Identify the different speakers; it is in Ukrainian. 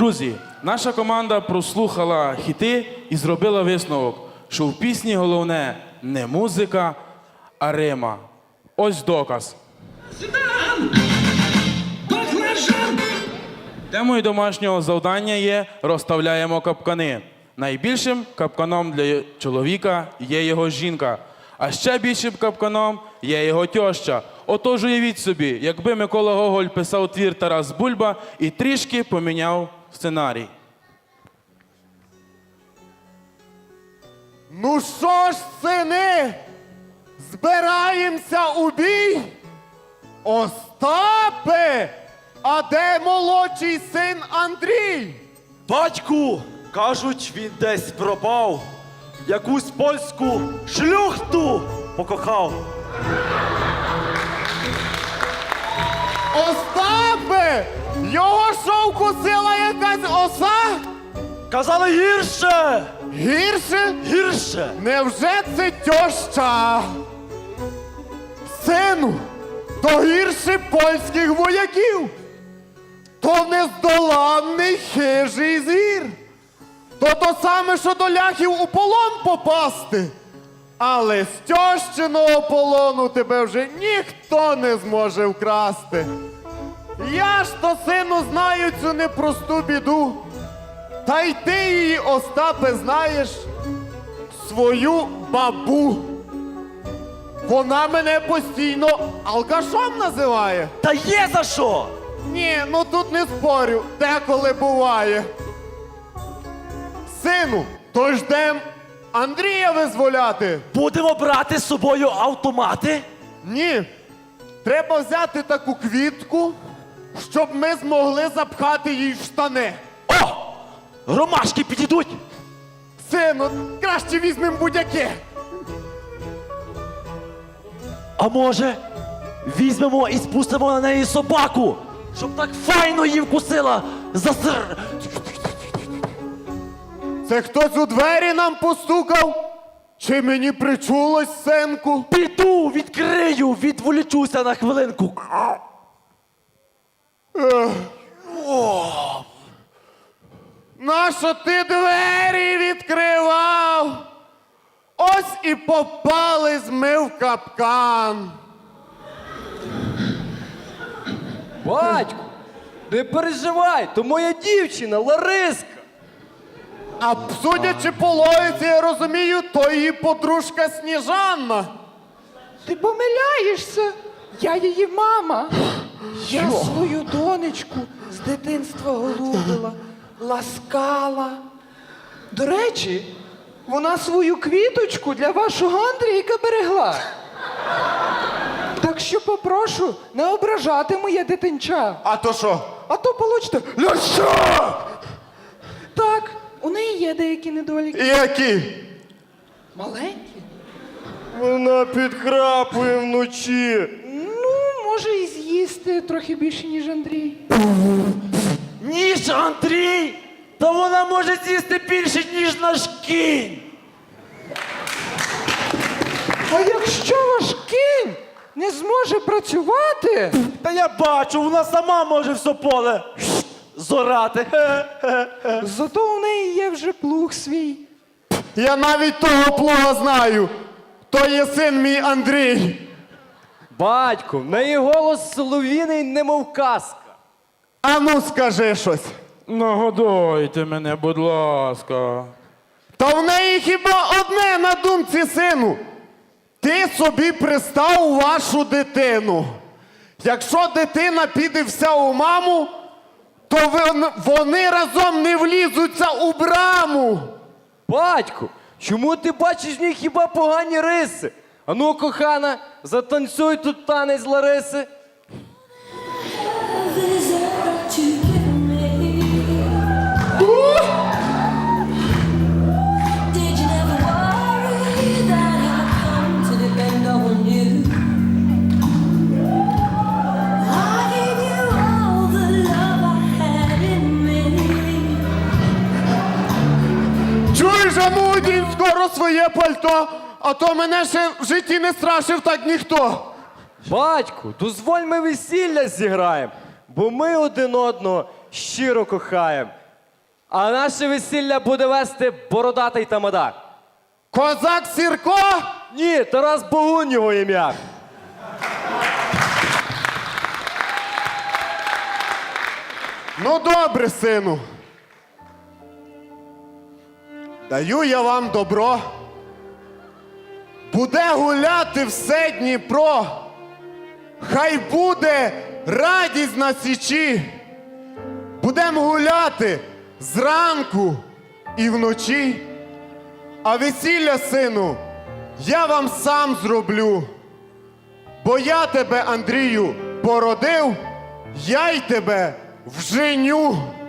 Speaker 1: Друзі, наша команда прослухала хіти і зробила висновок, що в пісні головне не музика, а рима. Ось доказ. Темою домашнього завдання є «Розставляємо капкани». Найбільшим капканом для чоловіка є його жінка, а ще більшим капканом є його тьоща. Отож уявіть собі, якби Микола Гоголь писав твір «Тарас Бульба» і трішки поміняв сценарій.
Speaker 2: Ну що ж, сини, збираємося у бій? Остапе, а де молодший син Андрій?
Speaker 3: Батьку, кажуть, він десь пропав. Якусь польську шлюхту покохав.
Speaker 2: Остапе, його що вкусила якась оса?
Speaker 3: Казали гірше!
Speaker 2: Гірше?
Speaker 3: Гірше!
Speaker 2: Невже це тьоща? Сину, то гірше польських вояків. То нездоланний хижий звір. То саме, що до ляхів у полон попасти. Але з тьощиного полону тебе вже ніхто не зможе вкрасти. Я ж то, сину, знаю цю непросту біду. Та й ти її, Остапе, знаєш, свою бабу. Вона мене постійно алкашом називає.
Speaker 3: Та є за що!
Speaker 2: Ні, ну тут не спорю, деколи буває. Сину, то ждем Андрія визволяти.
Speaker 3: Будемо брати з собою автомати?
Speaker 2: Ні, треба взяти таку квітку, щоб ми змогли запхати їй в штани.
Speaker 3: О! Ромашки підійдуть!
Speaker 2: Сину, краще візьмемо будь-яке.
Speaker 3: А може, візьмемо і спустимо на неї собаку, щоб так файно її вкусила за сир.
Speaker 2: Це хтось у двері нам постукав? Чи мені причулось, синку?
Speaker 3: Піду, відкрию, відволічуся на хвилинку.
Speaker 2: Нащо ти двері відкривав? Ось і попались ми в капкан.
Speaker 4: Батьку, не переживай, то моя дівчина Лариска.
Speaker 2: А судячи по логіці, я розумію, то її подружка Сніжанна.
Speaker 5: Ти помиляєшся. Я її мама. Я свою донечку з дитинства голубила, ласкала. До речі, вона свою квіточку для вашого Андрійка берегла. Так що попрошу не ображати моє дитинча.
Speaker 2: А то що?
Speaker 5: А то получите ляща! Так, у неї є деякі недоліки.
Speaker 2: Які?
Speaker 5: Маленькі.
Speaker 2: Вона підхрапує вночі.
Speaker 5: Ну, може і з'їсти трохи більше, ніж Андрій.
Speaker 3: Ніж Андрій! Та вона може з'їсти більше, ніж наш кінь!
Speaker 5: А якщо ваш кінь не зможе працювати,
Speaker 3: Та я бачу, вона сама може все поле зорати.
Speaker 5: зато у неї є вже плуг свій.
Speaker 2: Я навіть того плуга знаю. То є син мій Андрій.
Speaker 4: Батьку, в неї голос солов'їний, немов казка.
Speaker 2: А ну скажи щось.
Speaker 1: Нагодуйте мене, будь ласка.
Speaker 2: Та в неї хіба одне на думці, сину. Ти собі пристав вашу дитину. Якщо дитина піде вся у маму, то вони разом не влізуться у браму.
Speaker 4: Батьку, чому ти бачиш в ній хіба погані риси? Ану, кохана, затанцюй тут танець Лариси.
Speaker 2: Чуєш, а ну одінь скоро своє пальто, а то мене ще в житті не страшив так ніхто.
Speaker 4: Батьку, дозволь ми весілля зіграємо, бо ми один одного щиро кохаємо. А наше весілля буде вести бородатий тамада.
Speaker 2: Козак Сірко?
Speaker 4: Ні, Тарас Богунь його ім'я.
Speaker 2: Ну добре, сину. Даю я вам добро. Буде гуляти все Дніпро. Хай буде радість на січі. Будем гуляти зранку і вночі. А весілля, сину, я вам сам зроблю. Бо я тебе, Андрію, породив, я й тебе вженю.